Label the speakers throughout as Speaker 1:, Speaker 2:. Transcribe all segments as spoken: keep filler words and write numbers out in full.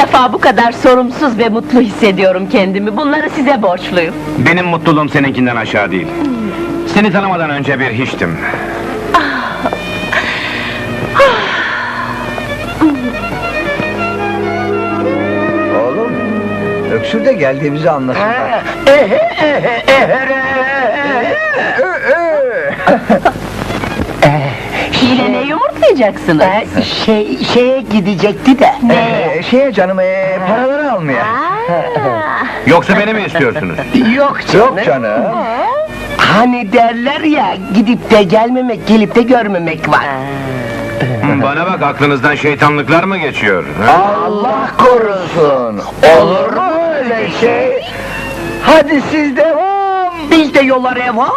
Speaker 1: defa bu kadar sorumsuz ve mutlu hissediyorum kendimi. Bunları size borçluyum.
Speaker 2: Benim mutluluğum seninkinden aşağı değil. Seni tanımadan önce bir hiçtim.
Speaker 3: Oğlum, öksür de geldiğimizi anlasınlar.
Speaker 1: Yine ne yumurtlayacaksınız?
Speaker 4: Şey, şeye gidecekti de.
Speaker 3: Ee, şeye canım, ee, paraları almaya.
Speaker 2: Yoksa beni mi istiyorsunuz?
Speaker 4: Yok canım.
Speaker 3: Yok canım.
Speaker 4: Hani derler ya, gidip de gelmemek, gelip de görmemek var.
Speaker 2: Bana bak, aklınızdan şeytanlıklar mı geçiyor? ha?
Speaker 3: Allah korusun. Olur mu öyle şey? Hadi siz devam.
Speaker 4: Biz de yola revan.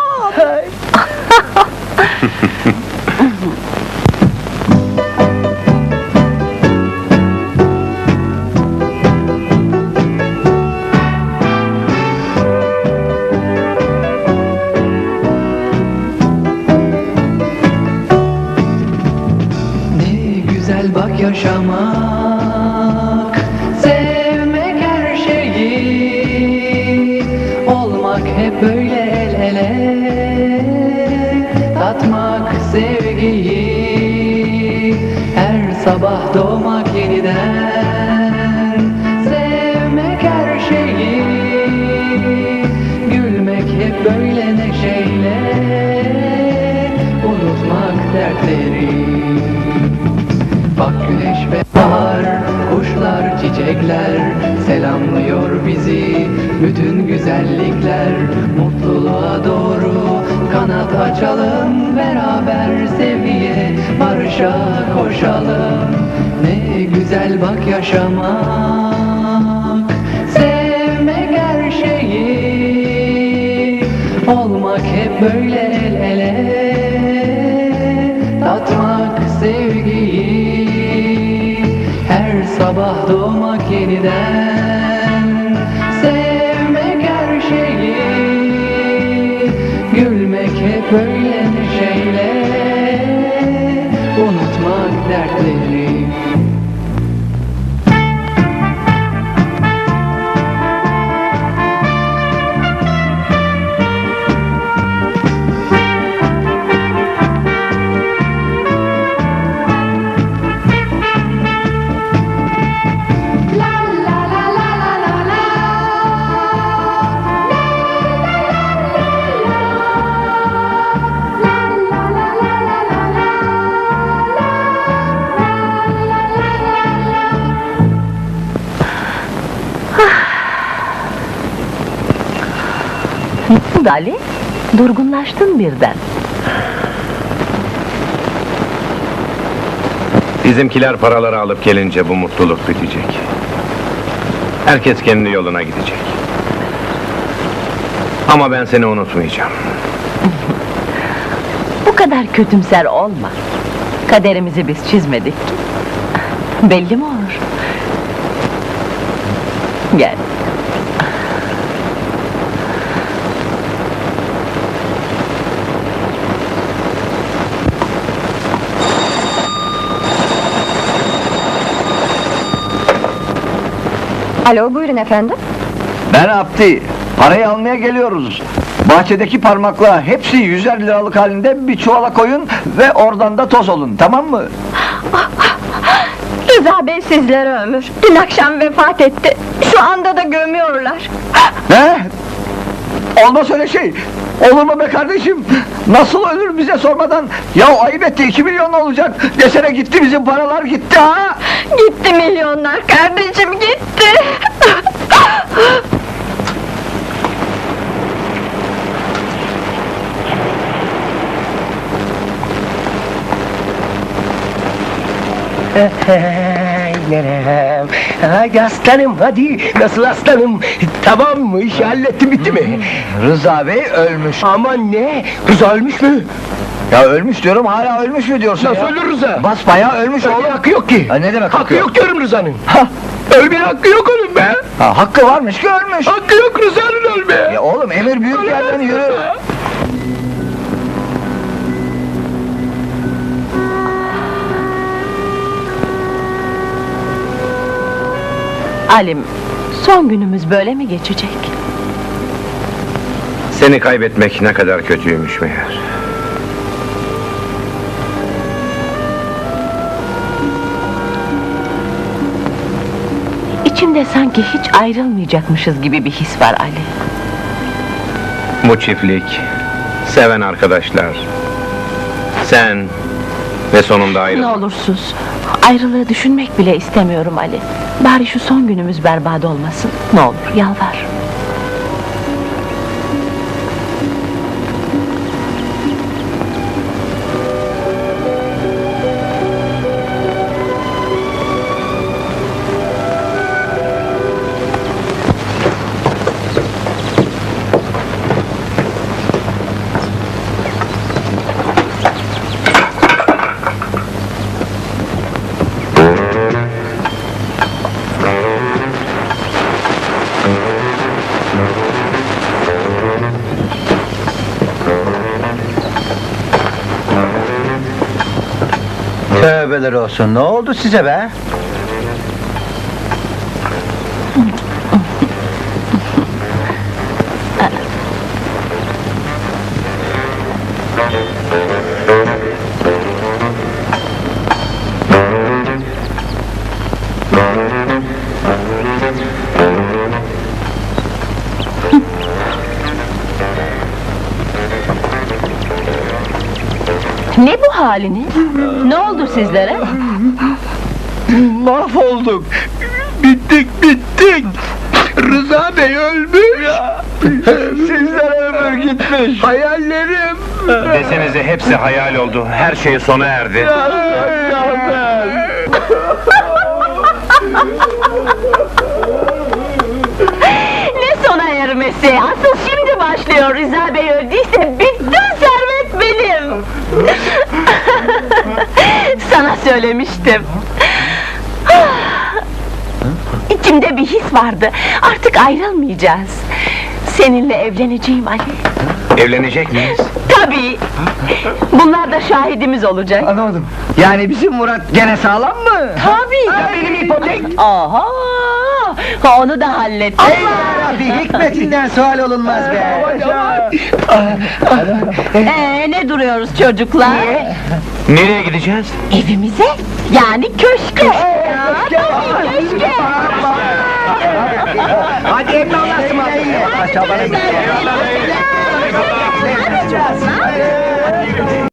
Speaker 5: Güzel bak yaşamak, sevmek her şeyi, olmak hep böyle el ele, tatmak sevgiyi, her sabah doğmak yeniden, sevmek her şeyi, gülmek hep böyle neşeyle, unutmak dertleri. Bak güneş ve bahar, kuşlar, çiçekler selamlıyor bizi. Bütün güzellikler mutluluğa doğru kanat açalım. Beraber sevgiye, barışa koşalım. Ne güzel bak yaşamak, sevmek her şeyi, olmak hep böyle el ele, tatmak sevgiyi, her sabah doğmak yeniden, sevmek her şeyi, gülmek hep böyle neşeyle, unutmak dertleri.
Speaker 1: Dali, durgunlaştın birden.
Speaker 2: Bizimkiler paraları alıp gelince bu mutluluk bitecek. Herkes kendi yoluna gidecek. Ama ben seni unutmayacağım.
Speaker 1: Bu kadar kötümser olma. Kaderimizi biz çizmedik ki. Belli mi olur? Gel.
Speaker 6: Alo, buyurun efendim.
Speaker 3: Ben Abdi. Parayı almaya geliyoruz. Bahçedeki parmakla hepsi yüzer liralık halinde bir çuvala koyun ve oradan da toz olun, tamam mı?
Speaker 6: Rıza Bey sizlere ömür. Dün akşam vefat etti. Şu anda da gömüyorlar.
Speaker 3: Ne? Olmaz öyle şey. Olur mu be kardeşim? Nasıl ölür bize sormadan? Ya ayıp etti, iki milyon olacak. Desene gitti, bizim paralar gitti ha!
Speaker 6: Gitti milyonlar kardeşim, gitti.
Speaker 4: Nerem? Hadi aslanım, hadi. Nasıl aslanım? Tamam mı? İşi hallettim, bitti mi?
Speaker 3: Rıza Bey ölmüş.
Speaker 4: Aman ne? Rıza ölmüş mü?
Speaker 3: Ya ölmüş diyorum, hala ölmüş mü diyorsun
Speaker 4: Nasıl
Speaker 3: ya?
Speaker 4: ölür Rıza?
Speaker 3: Basbayağı ölmüş
Speaker 4: Öyle
Speaker 3: oğlum.
Speaker 4: hakkı yok ki.
Speaker 3: Ha, ne demek
Speaker 4: Hakkı yok diyorum Rıza'nın.
Speaker 3: Ha,
Speaker 4: Ölmeye hakkı yok onun be.
Speaker 3: ha, hakkı varmış ki ölmüş.
Speaker 4: Hakkı yok Rıza'nın ölmeye.
Speaker 3: Ya oğlum, emir büyük yerden yürü.
Speaker 1: Alim, son günümüz böyle mi geçecek?
Speaker 2: Seni kaybetmek ne kadar kötüymüş meğer.
Speaker 1: İçimde sanki hiç ayrılmayacakmışız gibi bir his var Ali.
Speaker 2: Bu çiftlik, seven arkadaşlar, sen ve sonunda
Speaker 1: Ne
Speaker 2: ayrılmak.
Speaker 1: olur sus. Ayrılığı düşünmek bile istemiyorum Ali. Bari şu son günümüz berbat olmasın. Ne olur, yalvar.
Speaker 3: Tövbeler olsun, ne oldu size be?
Speaker 1: Ne bu haliniz? Ne oldu sizlere?
Speaker 3: Mahvolduk! Bittik, bittik! Rıza Bey ölmüş! Sizlere ömür gitmiş! Hayallerim!
Speaker 2: Desenize hepsi hayal oldu, her şey sona erdi.
Speaker 1: Ne sona ermesi? Asıl şimdi başlıyor. Rıza Bey öldüyse bütün servet benim. Sana söylemiştim. İçimde bir his vardı. Artık ayrılmayacağız. Seninle evleneceğim Ali.
Speaker 2: Evlenecek miyiz?
Speaker 1: Tabii. Bunlar da şahidimiz olacak.
Speaker 3: Anlamadım. Yani bizim Murat gene sağlam mı?
Speaker 1: Tabii.
Speaker 3: Ha, benim ipotek!
Speaker 1: Aha! Onu da hallettim.
Speaker 3: Rabbi, hikmetinden sual olunmaz be!
Speaker 1: Ee, ne duruyoruz çocuklar?
Speaker 2: Nereye gideceğiz?
Speaker 1: Evimize, yani köşke. Ya, tabii köşke.
Speaker 3: Hadi evde Allah'ım! Aşağıdan